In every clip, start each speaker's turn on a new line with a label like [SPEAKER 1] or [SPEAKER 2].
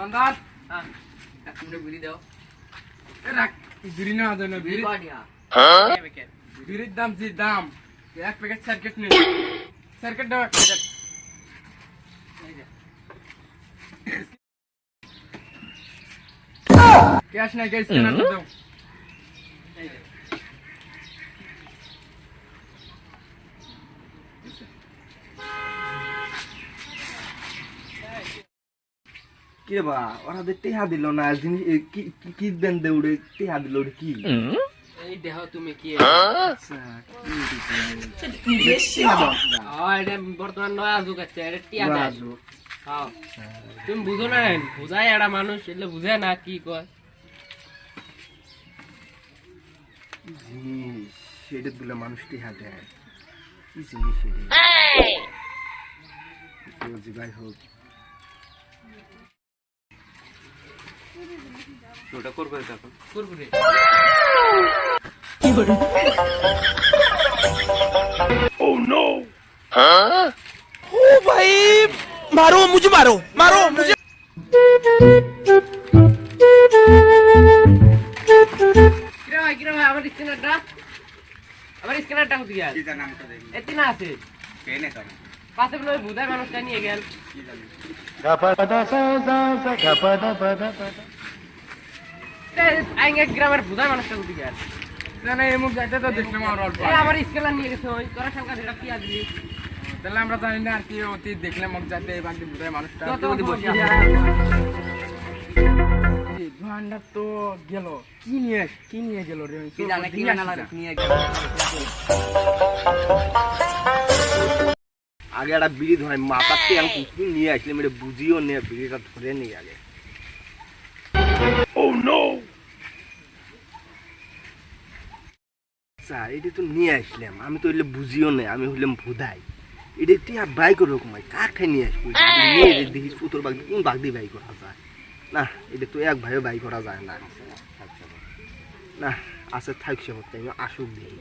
[SPEAKER 1] দোকানদার
[SPEAKER 2] এক মিনিট বিড়ি দাও।
[SPEAKER 1] রাখ বিড়ি না দেন বিড়ি বিড়ির দাম যে দাম এক প্যাকেট সার্কিট নেই সার্কিট দাও এক প্যাকেট ক্যাশ নাই ক্যাশ স্ক্যানার দাও
[SPEAKER 3] কে বা ওরা টেহা দিল না জিনিস কি দেন দৌড়ে টেহা দিল কি
[SPEAKER 2] এই দেহ তুমি কি এটা বর্তমান নয়া যুগ আছে এটা টিয়া দেয় হ্যাঁ তুমি বুঝো না বুঝায় একটা মানুষ এলে বুঝে না কি কয়
[SPEAKER 3] জিনিস সেটা দিলে মানুষ টেহা দেয় কি জিনিস এটা যাই হোক ওটা করবে তখন
[SPEAKER 2] কুরকুরে
[SPEAKER 4] Oh no! हाँ? ओ भाई मारो मुझे
[SPEAKER 2] কিরা ভাই আমার স্ক্যানারটা কোথায় গেল
[SPEAKER 3] কি জানা আমাকে দেখি
[SPEAKER 2] এতে না আছে
[SPEAKER 3] পেনে তো
[SPEAKER 2] পাশে বলে বুধার মানুষটা নিয়ে গেল
[SPEAKER 3] কি জানি
[SPEAKER 2] আইঙ্গা গ্রামের বুধার মানুষটা কোথায় গেল
[SPEAKER 1] না এই মুখ যাইতে তো দেখলাম আর অল্প
[SPEAKER 2] আমার স্ক্যানার নিয়ে গেছে ওই তোরা সংখ্যা যেটা কি আজলি
[SPEAKER 1] তাহলে আমরা জানি না আর কি অতি দেখলাম মুখ যাইতে এই বাকি বুঝায় মানুষটা দোকানটা তো গেল কি নিয়ে গেল রে
[SPEAKER 2] কি জানে কি জানা নিয়ে গেল
[SPEAKER 3] আগে একটা বিড়ি ধরে মাথাতে আমি কুকুর নিয়ে আসলাম এটা বুঝিও নিয়ে বিড়িটা ধরে নিয়ে আগে
[SPEAKER 4] Oh no!
[SPEAKER 3] এটা তো নিয়ে আসলাম আমি তো এলে বুঝিও না আমি হইলাম ভুদাই এটা তুই আর বাইক রকমাই কার খাই নিয়ে আসবি নিয়ে দেখিস পুতোর বাগ কোন বাগ দিয়ে বাইক করা যায় না এটা তো এক ভাইও বাইক করা যায় না না আছে থাকছে হতে আমি আসুক দেখি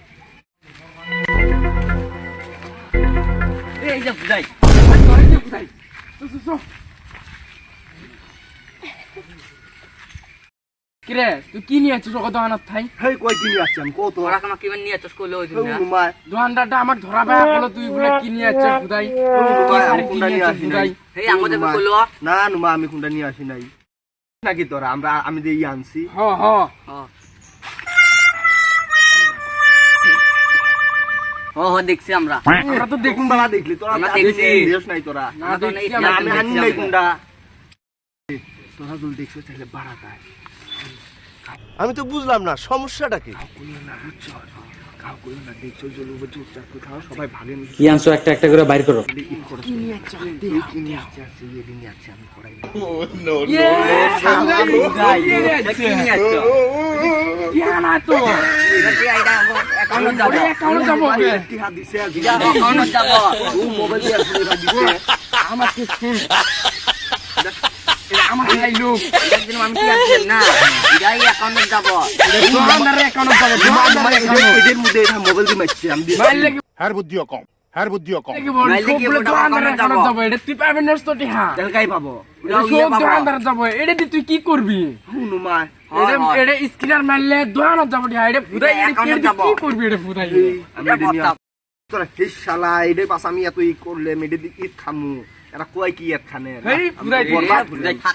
[SPEAKER 2] এই যে বুঝাই
[SPEAKER 1] কিরে তুই কি নিয়ে আছিস ওকে দোকানত থাই
[SPEAKER 3] হেই কই কি নিয়ে আসছি আমি কত
[SPEAKER 2] তোরা কামা কিমান নিয়ে চস কইলো ওই দিন না
[SPEAKER 3] নুমায়
[SPEAKER 1] দোকানদারটা আমার ধরা ভাই বলো তুই বলে কি নিয়ে আছিস খুদাই
[SPEAKER 3] আমি কোনটা নিয়ে আসি নাই
[SPEAKER 2] এই আমাদের কইলো
[SPEAKER 3] না নুমা আমি কোনটা নিয়ে আসি নাই নাকি তোরা আমি যে আনছি
[SPEAKER 1] হ হ
[SPEAKER 2] ও দেখছি আমরা
[SPEAKER 3] আমরা তো দেখুন বাবা দেখলি তোরা
[SPEAKER 2] আমরা দেখছি।
[SPEAKER 3] দেশ নাই তোরা
[SPEAKER 1] না দেখছি
[SPEAKER 3] না,
[SPEAKER 1] আমরা
[SPEAKER 3] আমি আনি নাই কোনটা তোরা যদি দেখছো তাহলে বাড়াতায়
[SPEAKER 5] আমি তো বুঝলাম না সমস্যাটা কি
[SPEAKER 3] কইও না বুঝছো কাউ কইও না দেখছো জলু চুপচাপ খাও সবাই ভাগে মিশে
[SPEAKER 6] কি আনছো একটা একটা করে বাইর করো
[SPEAKER 3] কি নিয়ে আসছে কি নিয়ে আসছে এই নিয়ে আসছে আমি পড়াই না
[SPEAKER 2] কি নিয়ে আসছো
[SPEAKER 1] না তো
[SPEAKER 2] একাউন্ট যাব
[SPEAKER 1] একাউন্ট যাবো
[SPEAKER 3] টিহা দিছে
[SPEAKER 2] একাউন্ট যাব
[SPEAKER 3] ও মোবাইল দিয়ে আসলে দিছে
[SPEAKER 1] আমাকে শুন আমার এই লোক
[SPEAKER 2] একদিন আমি কি আসছেন না যাই একাউন্ট যাব
[SPEAKER 1] দোকানদারের অ্যাকাউন্ট যাবে দোকানদারের অ্যাকাউন্ট
[SPEAKER 3] এদের মধ্যে এটা মোবাইল দিয়ে মারছি আমি দিছি
[SPEAKER 1] মাইল লাগি
[SPEAKER 4] हर बुद्धियों कम हर बुद्धियों कम
[SPEAKER 1] লাগি বল দোকানদারের অ্যাকাউন্ট যাবে এটা তুই পাবেন না তো টিহা
[SPEAKER 3] তাহলে কাই পাবো
[SPEAKER 1] সব দোকানদার যাবে এটা দিয়ে তুই কি করবি
[SPEAKER 3] নুমা
[SPEAKER 1] এটা স্ক্যানার মারলে দোকানত যাবে টিহা এটা ফুদাই এটা কি করবি এটা ফুদাই
[SPEAKER 3] আমি এটা নিয়ে তোরা হে শালা এদের পাশ আমি এত ই করলে মেডে দি ঈদ খামু এরা কয় কি ঈদ খানে
[SPEAKER 1] এই ফুদাই
[SPEAKER 2] বুঝাই থাক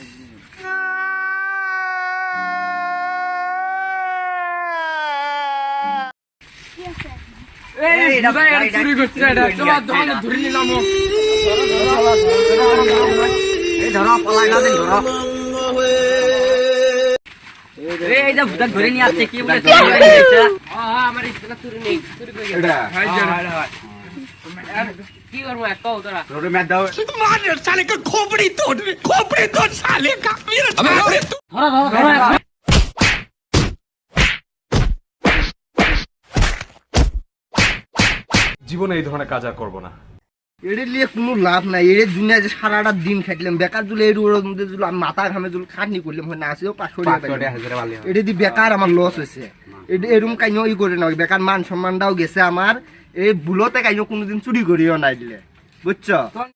[SPEAKER 1] এই ফুদাই এটা চুরি করছে এটা তোমার দোকানে ধরে নিলাম
[SPEAKER 2] এই ধরো পলাই না দেন ধরো এই যে বুঝা ধরে নিয়ে আসছে কি বলে চুরি করে নিয়েছে আমার ইসলা চুরি নেই চুরি করে গেছে
[SPEAKER 1] হাই যারা
[SPEAKER 2] কি করবো এক কও তোরা
[SPEAKER 3] রোডে ম্যাচ দাও
[SPEAKER 4] मार साले का खोपड़ी तोड़ साले का मेरा
[SPEAKER 2] ধরো ধরো
[SPEAKER 7] জীবনে এই ধরনের কাজ আর করবো না।
[SPEAKER 3] এদের লিয়ে কোনো লাভ নাই এদের দুনিয়া যে সারাটা দিন খাইলাম বেকার জুলে এর ওর মধ্যে জুল আমি মাথা ঘামে জুল খাটনি করলাম হয় না আসেও 500 টাকা এটা দি বেকার আমার লস হয়েছে এরকম কাইনো ই করে না বেকার মান সম্মানটাও গেছে আমার এই বুলতে কাইনো কোনোদিন চুরি করিও নাই দিলে বুঝছো